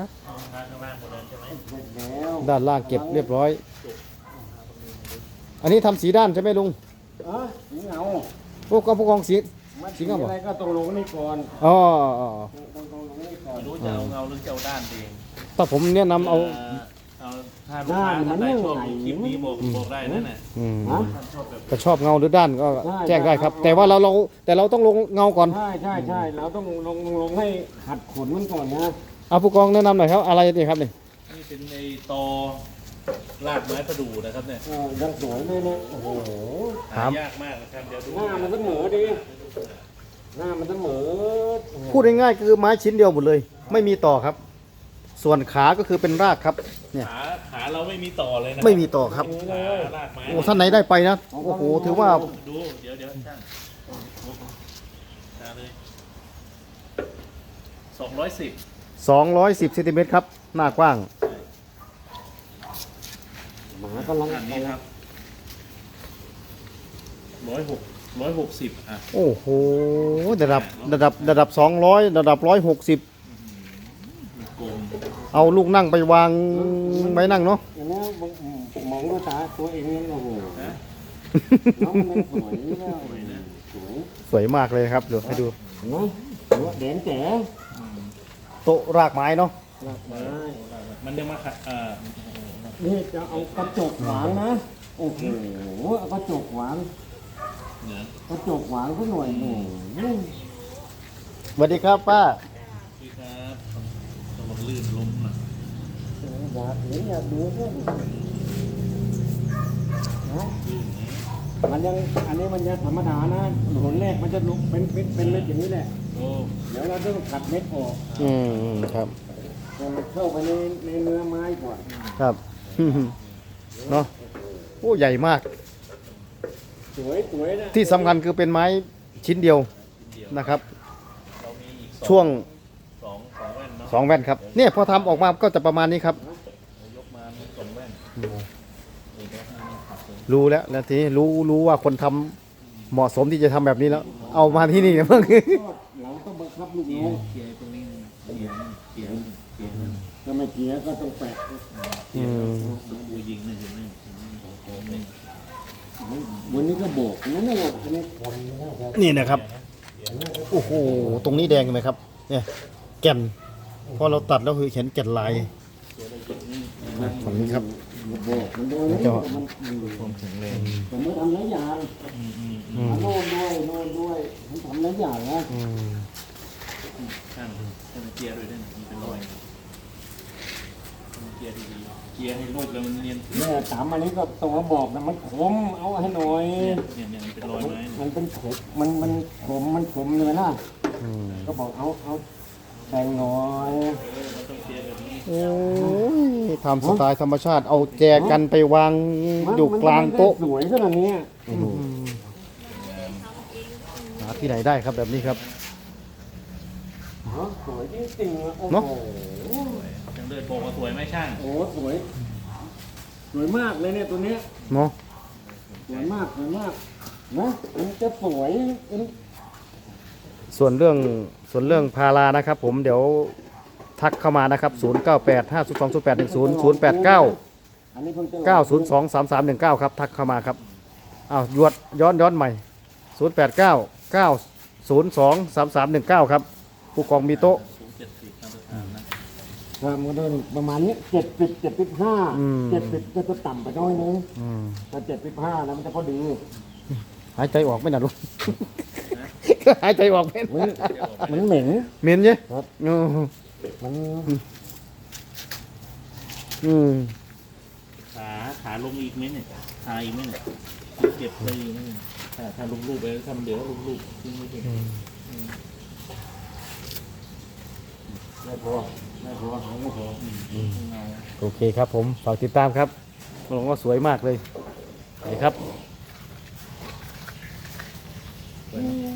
ข้างล่างหมดแล้วใช่ไหมเสร็จแล้วด้านล่างเก็บเรียบร้อย อันนี้ทำสีด้านใช่ไหมลุงสีเงาพวกกองสีมันสีสีเงาบ่อะไรก็ต้องลงนี่ก่อนอ๋อต้องลงนี่ก่อนไม่รู้จะเอาเงาหรือจะเอาด้านเองถ้าผมแนะนำเอาเอาถ้าลูกค้าท่านใดชอบดูคลิปนี้บอกได้นั่นแหละอืมฮะท่านชอบแบบก็ชอบเงาหรือด้านก็ได้แจ้งได้ครับได้แต่ว่าแต่เราต้องลงเงาก่อนใช่เราต้องลงให้ขัดขนมันก่อนนะเอาผู้กองแนะนำหน่อยครับอะไรนี่ครับนี่นี่เป็นไอ้ตอรากไม้ประดู่นะครับเนี่ยยังสวยเลยเนี่ยโอ้โหหายากมากนะครับเดี๋ยวดูหน้ามันเสมอดีหน้ามันเสมอพูดง่ายๆคือไม้ชิ้นเดียวหมดเลย ไม่มีต่อครับ ส่วนขาก็คือเป็นรากครับ เนี่ยขาเราไม่มีต่อเลยนะไม่มีต่อครับขารากไม้โอ้ท่านไหนได้ไปนะโอ้โหถือว่าดูเดี๋ยวช่างเลย210 210เซนติเมตรครับ หน้ากว้างหมากำลังอันนี้ครับ160อ่ะโอ้โหระดับ200ระดับ160 กลมเอาลูกนั่งไปวางไว้นั่งเนาะอย่างนี้มองด้วยตาตัวเองเนี่ยโอ้โหนะน้องมันสวยแล้วสวยสวยมากเลยครับเดี๋ยวให้ดูเห็นไหมแดงแจ๋โต๊ะรากไม้เนาะหลากไม้มันยังมาขัดนี่จะเอากระจกหวางนะโอ้โหเอากระจกหวางเนี่ยกระจกหวางสักหน่อยโอ้โหสวัสดีครับป้าพี่ครับระวังลื่นล้มนะอยากเห็นอยากดูด้วยนะมันยังอันนี้มันยังธรรมดานะหนแรกมันจะลุกเป็นเม็ดอย่างนี้แหละโอ้เดี๋ยวเราต้องขัดเม็ดออกครับให้มันเข้าไปในเนื้อไม้ก่อนครับ เนาะโอ้ใหญ่มากสวยนะที่สำคัญคือเป็นไม้ชิ้นเดียวเดียวนะครับเรามีอีกช่วงสองแว่นเนาะ 2 แว่นครับ เนี่ยพอทำออกมาก็จะประมาณนี้ครับยกมามี2แว่นนี่ก็ให้มันขัดเลยรู้แล้วทีนี้รู้ว่าคนทำเหมาะสมที่จะทำแบบนี้แล้ว เอามาที่นี่นะเพิ่งเราต้องบังคับลูกน้องเกียร์ตรงนี้เกียร์ถ้าไม่เกียร์ก็ต้องแปะดูยิงนี่เห็นไหมโอ้ไม่วันนี้ก็โบกนั่นแหละอันนี้คนนะครับนี่นะครับโอ้โหตรงนี้แดงไหมครับ เนี่ยแก่นพอเราตัดแล้วคือเห็นแก่นลายฝั่งนี้ครับโบกมันโดนมันความแข็งแรงผมไม่ทำหลายอย่างโน่นด้วยผมทำหลายอย่างนะช่างเกียร์ด้วยได้มันเป็นรอยเกียร์ดีๆเกียร์ให้รูปแล้วมันเนียนเนี่ยถามอันนี้ก็ตัวบอกนะมันขมเอาให้หน่อยเนี่ยมันเป็นรอยไม้มันเป็นขมมันขมเลยนะก็บอกเอาแต่งหน่อยมันต้องเกียร์แบบนี้โอ้ยทำสไตล์ธรรมชาติเอาแจกันไปวางอยู่กลางโต๊ะสวยขนาดนี้หาที่ไหนได้ครับแบบนี้ครับสวยจริงๆโอ้เนอะโหจังเลือดบอกว่าสวยไหมช่างโอ้สวยมากเลยเนี่ยตัวเนี้ยเนาะสวยมากนะมันจะสวยส่วนเรื่องพารานะครับ ผมเดี๋ยวทักเข้ามานะครับ0985020810 อันนี้เพิ่งจะ 089 902 3319ครับทักเข้ามาครับอ้าวย้อนใหม่089 902 3319ครับผู้กองมีโต๊ะ 70มาตรฐานนะมันก็ประมาณนี้75 70ก็จะต่ำไปน้อยนึงถ้า75นะมันจะพอดีหายใจออกไหม่น่ะลูก หายใจออกไหมมันเหม็นเหม็นใช่ครับ มันขาลงอีกไหมเนี่ยขาอีกไหมเนี่ยเก็บไปถ้าลงรูปไปทำเดี๋ยวลงรูปทิ้งไว้ก่อนไม่พอไม่พอโอเคครับผมฝากติดตามครับบอกว่าสวยมากเลยนี่ครับสวยนะ